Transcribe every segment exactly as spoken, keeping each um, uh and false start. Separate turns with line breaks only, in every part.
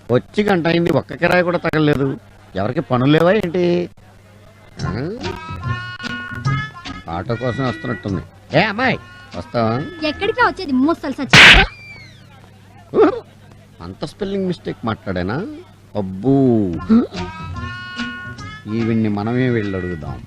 వచ్చి గంట అయింది, ఒక్క కిరాయి కూడా తగలలేదు. ఎవరికి పనులు లేవా ఏంటి? ఆటో కోసం వస్తున్నట్టుంది. ఏ అమ్మాయి వస్తావా?
ఎక్కడికి వచ్చేది ముసలి సచ్చి.
అంత స్పెల్లింగ్ మిస్టేక్ మాట్లాడానా? అబ్బూ, ఈవిడ్ని మనమే వెళ్ళి అడుగుదాం.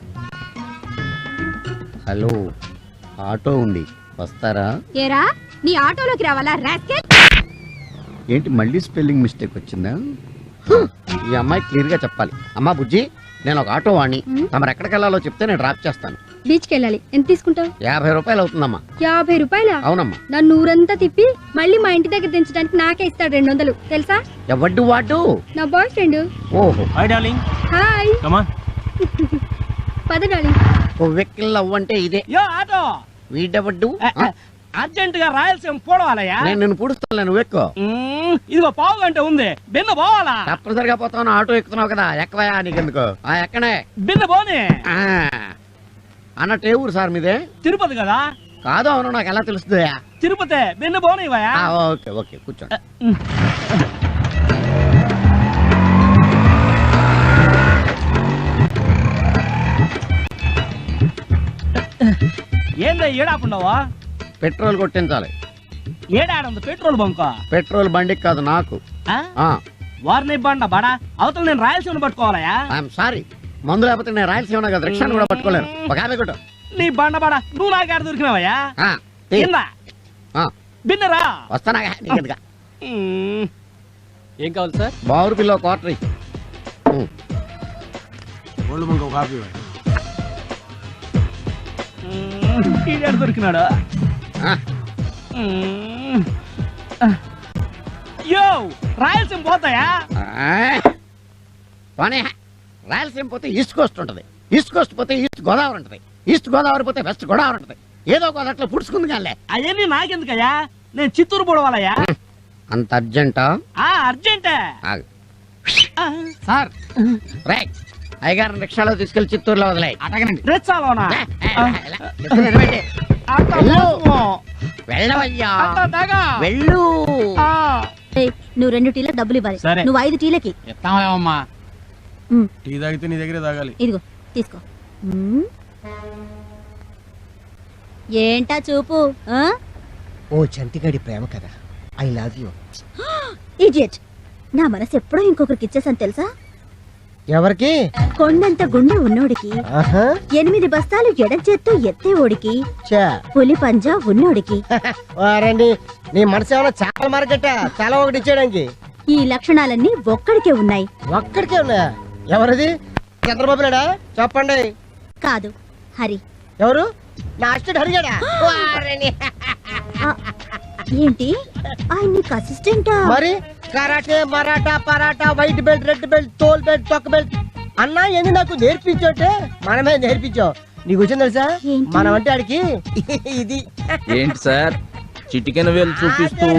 హలో, ఆటో ఉంది, వస్తారా?
ఏరా నీ ఆటోలోకి రావాలా రాస్కెల్?
ఏంటి మళ్ళీ స్పెల్లింగ్ మిస్టేక్ వచ్చిందా? ఈ అమ్మాయి క్లియర్ గా చెప్పాలి. అమ్మా బుజ్జి, నేను ఒక ఆటో వాణ్ణి, తమరు ఎక్కడికి వెళ్ళాలో చెప్తే నేను డ్రాప్ చేస్తాను.
బీచ్కి వెళ్ళాలి. ఎంత తీసుకుంటావు?
యాభై రూపాయలు అవుతుందమ్మా.
యాభై రూపాయల?
అవునమ్మా.
నన్ను ఊరంతా తిప్పి మళ్ళీ మా ఇంటి దగ్గర దించడానికి నాకే ఇస్తాడు రెండు వందలు, తెలుసా?
ఎవడ్డు వాడు?
నా బాయ్ ఫ్రెండ్.
ఓహో,
hi darling.
Hi.
Come on.
పద డార్లింగ్.
ఓ వెక్కిల్ అవ్వంటే ఇదే.
యో ఆటో.
వీడెవడ్డు?
అర్జెంట్ గా రాయలసీమ పోవాలయ్యా.
నేను నిన్ను పుడుస్తాను, నువ్వు ఎక్కువ.
ఇదిగో పావు గంట ఉంది, బిన్న పోవాలా?
తప్పనిసరిగా పోతావు, ఆటో ఎక్కుతున్నావు కదా, ఎక్కవయా నీకెందుకు? ఆ ఎక్కనే
బిన్న పోనీ.
అన్నట్టు ఏ ఊరు సార్ మీదే?
తిరుపతి కదా.
కాదు, అవును, నాకు ఎలా తెలుస్తుంది?
తిరుపతి, బిన్న పోనీవయ్యా.
ఓకే ఓకే, కూర్చోండి.
ఏందా ఏడాపుండవా?
పెట్రోల్ కొట్టించాలి.
ఏడాడుంది పెట్రోల్ బంక్?
పెట్రోల్ బండికి కాదు, నాకు.
వారిని బండ బడా అవతల నేను రాయలసీమను పట్టుకోవాలయా?
ఐఎమ్ సారీ, మందు లేకపోతే నేను రాయలసీమ కదా, రిక్షాను కూడా పట్టుకోలేను. ఒక యాభై కొట్టు.
నీ బండ బడా నువ్వు నాకాడ దొరికినావయ్యా? బిన్నరా
వస్తానా?
ఏం కావాలి సార్?
బావురు పిల్ల క్వార్టర్
దొరికినాడు. యో రాయలసీమ పోతాయా?
పోనీ, రాయలసీమ పోతే ఈస్ట్ కోస్ట్ ఉంటది, ఈస్ట్ కోస్ట్ పోతే ఈస్ట్ గోదావరి ఉంటది, ఈస్ట్ గోదావరి పోతే వెస్ట్ గోదావరి ఉంటది. ఏదో గోదావరిలో పుడుచుకుంది కానీ.
అవన్నీ నాకెందుకయ్యా? నేను చిత్తూరు పోవాలయ్యా.
అంత అర్జెంటా?
అర్జెంటే
సార్. రైట్, అయ్యగారిని రిక్షాలో తీసుకెళ్లి చిత్తూరులో వదిలే.
రిక్షాలోనా?
వెళ్ళవయ్యా, వెళ్ళు.
నువ్వు రెండు టీలకు డబ్బులు ఇవ్వాలి, నువ్వు ఐదు టీలకి.
టీ తాగితే నీ దగ్గరే తాగాలి.
ఇదిగో తీసుకో. ఏంటా చూపు?
ఓ చంటిగాడి ప్రేమ కదా, ఐ లవ్ యూ.
ఇడియట్, నా మనసు ఎప్పుడో ఇంకొకరికి ఇచ్చేసాను తెలుసా?
ఎవరికి?
కొండంత గుండె ఉన్నోడికి, ఎనిమిది బస్తాలు ఎడం చేత్తో ఎత్తే ఓడికి, పులి పంజా ఉన్నోడికి.
వారండి, నీ మనసు ఏమన్నా చేపల మార్కెట్? చాలా ఒకటి ఇచ్చేయడానికి.
ఈ లక్షణాలన్నీ ఒక్కడికే ఉన్నాయి.
ఒక్కడికే ఉన్నాయా? ఎవరిది? చంద్రబాబు నాయుడా? చెప్పండి.
కాదు, హరి.
ఎవరు? నా అసిస్టెంట్ హరిగాడా?
ఏంటి, ఆయన నీకు అసిస్టెంటా?
మరి karate, Maratha, paratha, white belt, red belt, తోల్ బెల్ట్, తొక్క బెల్ట్ అన్నా ఏంది నాకు నేర్పించోటే. మనమే నేర్పించావు. నీకు వచ్చింది తెలుసా? మనం అంటే ఆడికి ఇది.
ఏంటి సార్ చిటికెన వేలు చూపిస్తూ?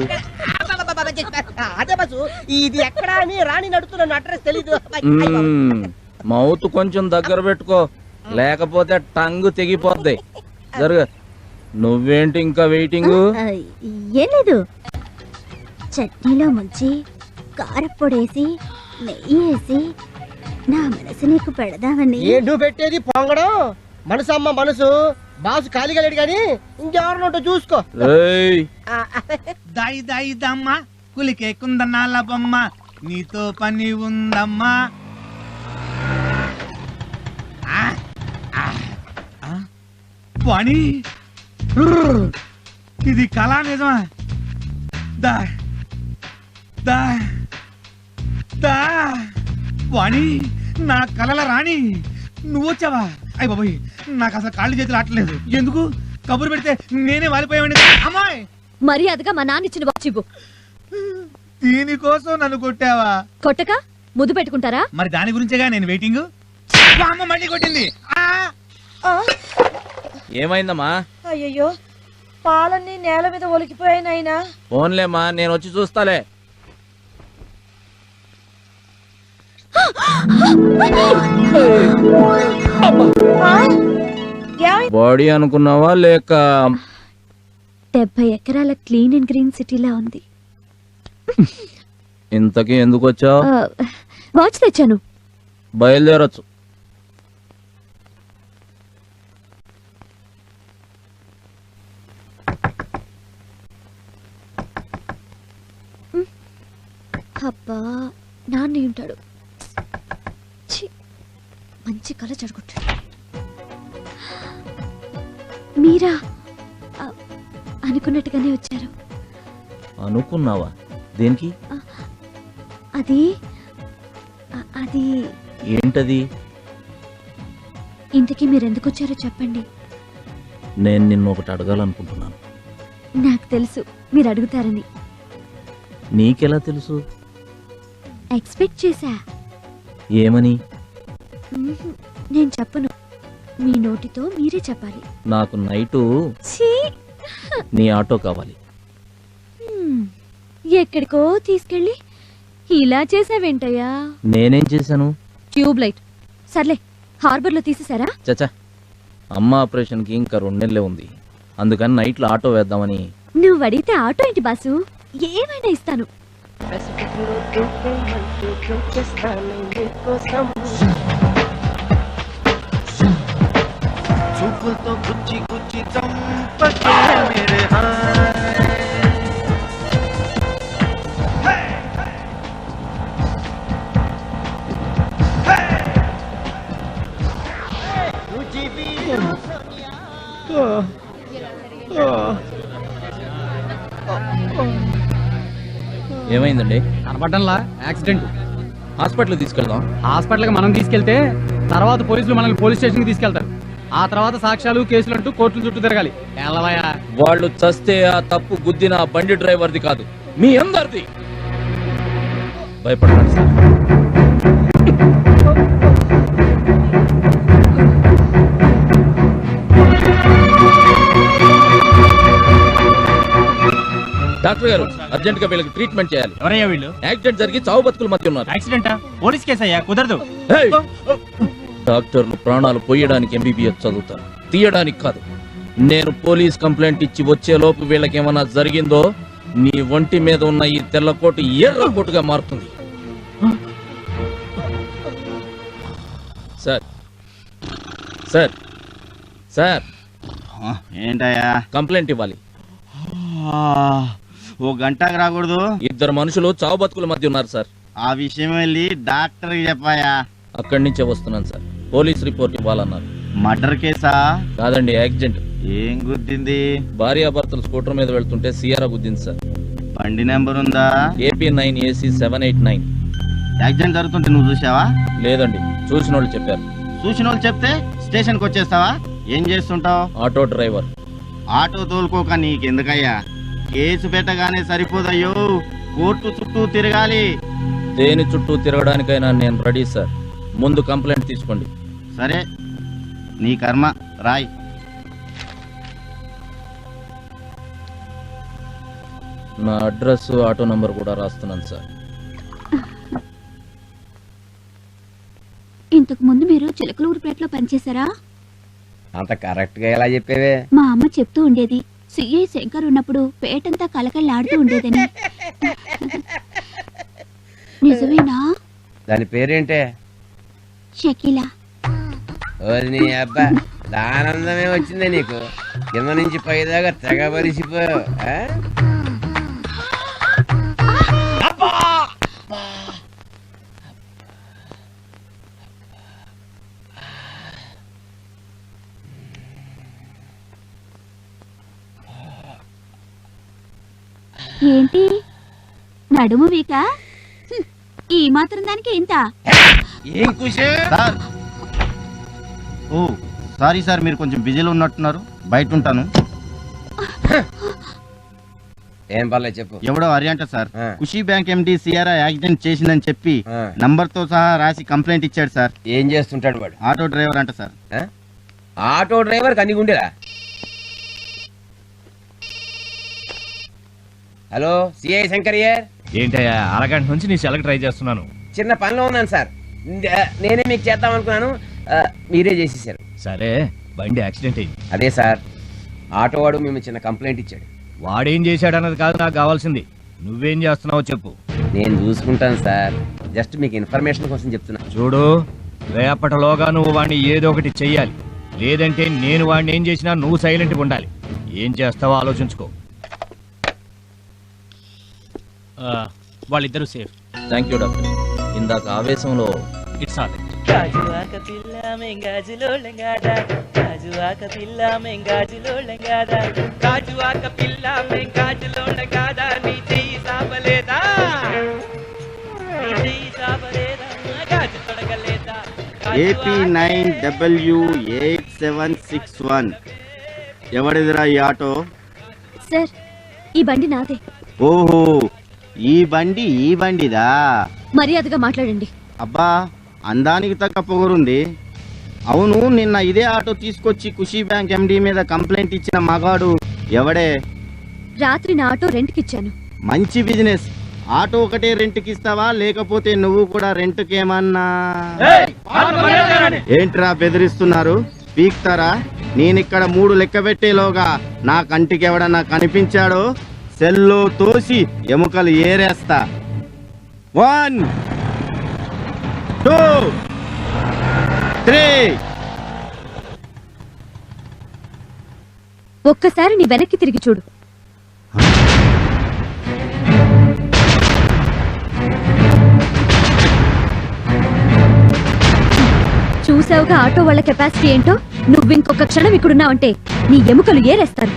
అదే బస్సు, ఇది ఎక్కడా అని రాణి నడుతున్న అడ్రస్ తెలీదు.
మౌత్ కొంచెం దగ్గర పెట్టుకో, లేకపోతే టంగ్ తెగిపోద్ది. జరుగు. నువ్వేంటి ఇంకా వెయిటింగ్?
ఏం లేదు, చట్నీలో ముంచి కారపొడేసి నెయ్యి వేసి నా మనసు నీకు పెడదామని.
ఏంటూ పెట్టేది పొంగడం? మనసు అమ్మ మనసు. బాసు ఖాళీగా లేడు గాని ఇంకెవరినోటో చూసుకో.
దాయి దాయి దమ్మ కులికే కుందనాల బొమ్మ, నీతో పని ఉందమ్మా. పని ఇది కళా నిజమా? దా దా దా వాణి, నా కళల రాణి నువ్వు వచ్చావా? అయ్య బాబోయ్, నాకు అసలు కాళ్ళు చేతులు ఆటలేదు. ఎందుకు కబురు పెడితే నేనే వాలిపోయావండి. అమ్మాయి,
మర్యాదగా మా నాన్న ఇచ్చిన వాచ్ ఇవ్వు.
దీనికోసం నన్ను కొట్టావా?
కొట్టక ముద్దు పెట్టుకుంటారా?
మరి దాని గురించేగా నేను వెయిటింగ్. అమ్మ మళ్ళీ కొట్టింది.
ఏమైందమ్మా?
అయ్యో, పాలన్నీ నేల మీద ఒలికిపోయాయి నాయనా.
ఫోన్లేమ్మా, నేను వచ్చి చూస్తాలే. బాడీ అనుకున్నావా లేక?
డెబ్బై ఎకరాల క్లీన్ అండ్ గ్రీన్ సిటీలా ఉంది.
ఇంతకీ ఎందుకు వచ్చావు?
వాచ్ తెచ్చాను.
బయలుదేరొచ్చు.
అబ్బా నాన్న ఉంటాడు. ఛీ, మంచి కళ జరుగుతాడు. మీరా ఆ, అనుకున్నట్టుగానే వచ్చారు.
అనుకున్నావా? దేనికి?
అది ఆ, అది
ఏంటది?
ఇంతకీ మీరు ఎందుకు వచ్చారో చెప్పండి.
నేను నిన్ను ఒకటి అడగాలనుకుంటున్నాను.
నాకు తెలుసు మీరు అడుగుతారని.
నీకెలా తెలుసు?
ఎక్స్పెక్ట్ చేశా.
ఏమని?
మ్మ్హ్, నేను చెప్పను. మీ నోటితో మీరే చెప్పాలి.
నాకు నైటు
ఛీ!
నీ ఆటో కావాలి.
హ్మ్, ఎక్కడికో తీసుకెళ్ళి ఇలా చేసావేంటయ్యా?
నేనేం చేశాను?
Tube light. సర్లే, హార్బర్ లో తీసేసారా?
చచ్చా, అమ్మ ఆపరేషన్కి ఇంకా రెండు నెలలే ఉంది. అందుకని నైట్లో ఆటో వేద్దామని.
నువ్వు అడిగితే ఆటో ఏంటి బాసు, ఏమైనా ఇస్తాను.
చూపులతో గుచ్చి గుచ్చి చంపకే మేరే
ఏమైందండి?
కనపడ్డంలా యాక్సిడెంట్.
హాస్పిటల్ తీసుకెళ్దాం.
హాస్పిటల్కి మనం తీసుకెళ్తే తర్వాత పోలీసులు మనల్ని పోలీస్ స్టేషన్కి తీసుకెళ్తారు. ఆ తర్వాత సాక్ష్యాలు కేసులు అంటూ కోర్టుల చుట్టూ తిరగాలి. ఎల్లవయ్యా,
వాళ్ళు చస్తే ఆ తప్పు గుద్దిన ఆ బండి డ్రైవర్ది కాదు, మీ అందరిది. భయపడకండి సార్. డాక్టర్ గారు, అర్జెంట్ గా వీళ్ళకి ట్రీట్మెంట్ చేయాలి.
ఎవరయ్యా వీళ్ళు?
యాక్సిడెంట్ జరిగి చావు బతుకుల మధ్య ఉన్నారు.
యాక్సిడెంటా? పోలీస్ కేసు అయ్యా, కుదరదు.
హేయ్! డాక్టర్లు ప్రాణాలు పోయడానికి ఎంబీబీఎస్ చదువుతారు, తీయడానికి కాదు. నేను పోలీస్ కంప్లైంట్ ఇచ్చి వచ్చే లోపు వీళ్ళకి ఏమన్నా జరిగిందో నీ ఒంటి మీద ఉన్న ఈ తెల్ల కోటు ఎర్ర కోటుగా మారుతుంది. సార్ సార్ సార్
ఏంటయ్యా?
కంప్లైంట్ ఇవ్వాలి.
ఓ గంటకు రాకూడదు?
ఇద్దరు మనుషులు చావు బతుకుల మధ్య ఉన్నారు సార్.
ఆ విషయం వెళ్ళి డాక్టర్కి చెప్పాయా?
అక్కడి నుంచే వస్తున్నాను సార్. పోలీస్ రిపోర్ట్ ఇవ్వాలన్నారు.
మర్డర్ కేసా?
కాదండి, యాక్సిడెంట్.
ఏం గుద్దింది?
భార్యాభర్తలు స్కూటర్ మీద వెళ్తుంటే సియారా గుద్దింది సార్.
బండి నెంబర్ ఉందా?
AP nine AC seven eight nine.
Accident జరుగుతుంటే నువ్వు చూసావా?
లేదండి, చూసిన వాళ్ళు చెప్పారు.
చూసిన వాళ్ళు చెప్తే స్టేషన్కి వచ్చేస్తావా? ఏం చేస్తుంటావు?
Auto driver.
ఆటో తోలుకోక నీకెందుకయ్యా? కేసు పెట్టగానే సరిపోదయ్యో, కోర్టు చుట్టూ తిరగాలి.
దేని చుట్టూ తిరగడానికైనా నేను రెడీ సార్. ముందు కంప్లైంట్ తీసుకోండి.
సరే, నీ కర్మ, రాయ్.
నా అడ్రస్, ఆటో నంబర్ కూడా రాస్తున్నాను సార్.
ఇంతకు ముందు మీరు చిలకలూరుపేటలో పనిచేశారా?
అంత కరెక్ట్ గా ఎలా చెప్పేవే?
మా అమ్మ చెప్తూ ఉండేది, సిఐ శంకర్ ఉన్నప్పుడు పేటంతా కలకల్లాడుతూ ఉండేదని. నిజమేనా?
దాని పేరేంటే?
షకీలా.
ఓరి నీ అబ్బా, ఆనందమే వచ్చిందే నీకు. కింద నుంచి పైదాకా తెగబరిసిపోయావు.
ఏంటి నడుము వీక? ఈ మాత్రం దానికి ఇంత?
ఏం కుషే? సార్, ఓ సారీ సార్, మీరు కొంచెం బిజీలో ఉన్నట్టున్నారు, బయట ఉంటాను.
ఏం పర్లేదు చెప్పు.
ఎవడో హరియంట సార్,
ఆ.
Khushi bank MD CRI accident చేసిందని చెప్పి
ఆ.
నంబర్ తో సహా రాసి కంప్లైంట్ ఇచ్చాడు సార్.
ఏం చేస్తుంటాడు వాడు?
ఆటో డ్రైవర్ అంట సార్.
ఆ? ఆటో డ్రైవర్ కన్ని గుండెలా? Hello, CI శంకరియర్.
ఏంటయ్యా, అరగంట నుంచి నీ సెలకి ట్రై చేస్తున్నాను.
చిన్న పనిలో ఉన్నాను సార్. నేనే మీకు చేద్దాం అనుకున్నాను, మీరే చేసేసారు.
సరే, బండి యాక్సిడెంట్ అయింది.
అదే సార్, ఆటో వాడు మేము చిన్న కంప్లైంట్ ఇచ్చాడు.
వాడేం చేశాడన్నది కాదు నాకు కావాల్సింది. నువ్వేం చేస్తున్నావో చెప్పు.
నేను చూసుకుంటాను సార్, జస్ట్ మీకు ఇన్ఫర్మేషన్ కోసం చెప్తున్నా.
చూడు, రేపటిలోగా నువ్వు వాడిని ఏదో ఒకటి చెయ్యాలి, లేదంటే నేను వాడిని ఏం చేసినా నువ్వు సైలెంట్గా ఉండాలి. ఏం చేస్తావో ఆలోచించుకో.
వాళ్ళిద్దరూ సేఫ్.
Thank you doctor. ఇందాక ఆవేశంలో
ఇట్స్ ఆల్
గాజువాక పిల్ల మెంగాజులో లెంగాడా, గాజువాక పిల్ల మెంగాజులో లెంగాడా, గాజువాక పిల్ల మెంగాజులో లెంగాడా, నీ చెయ్యి సాపలేదా, నీ చెయ్యి సాపలేదా, గాజు తొడగలేదా.
AP nine W eight seven six one. ఎవడిదిరా ఈ ఆటో?
సార్, ఈ బండి నాదే.
ఓహో, ఈ బండి ఈ బండిదా?
మర్యాదగా మాట్లాడండి.
అబ్బా, అందానికి తగ్గ పొగరుంది. అవును, నిన్న ఇదే ఆటో తీసుకొచ్చి ఖుషీ బ్యాంక్ ఎండి మీద కంప్లైంట్ ఇచ్చిన మగాడు ఎవడే?
రాత్రి నా ఆటో రెంట్కి ఇచ్చాను.
మంచి బిజినెస్. ఆటో ఒకటే రెంట్కి ఇస్తావా, లేకపోతే నువ్వు కూడా రెంట్కేమన్నా? ఏంట్రా బెదిరిస్తున్నారు? పీక్తారా? నేనిక్కడ మూడు లెక్క పెట్టేలోగా నా కంటికి ఎవడన్నా కనిపించాడో సెల్లో తోసి ఎముకలు ఏరేస్తా. One two three.
ఒక్కసారి నీ వెనక్కి తిరిగి చూడు. చూసావుగా ఆటో వాళ్ళ కెపాసిటీ ఏంటో. నువ్వు ఇంకొక క్షణం ఇక్కడున్నావంటే నీ ఎముకలు ఏరేస్తారు.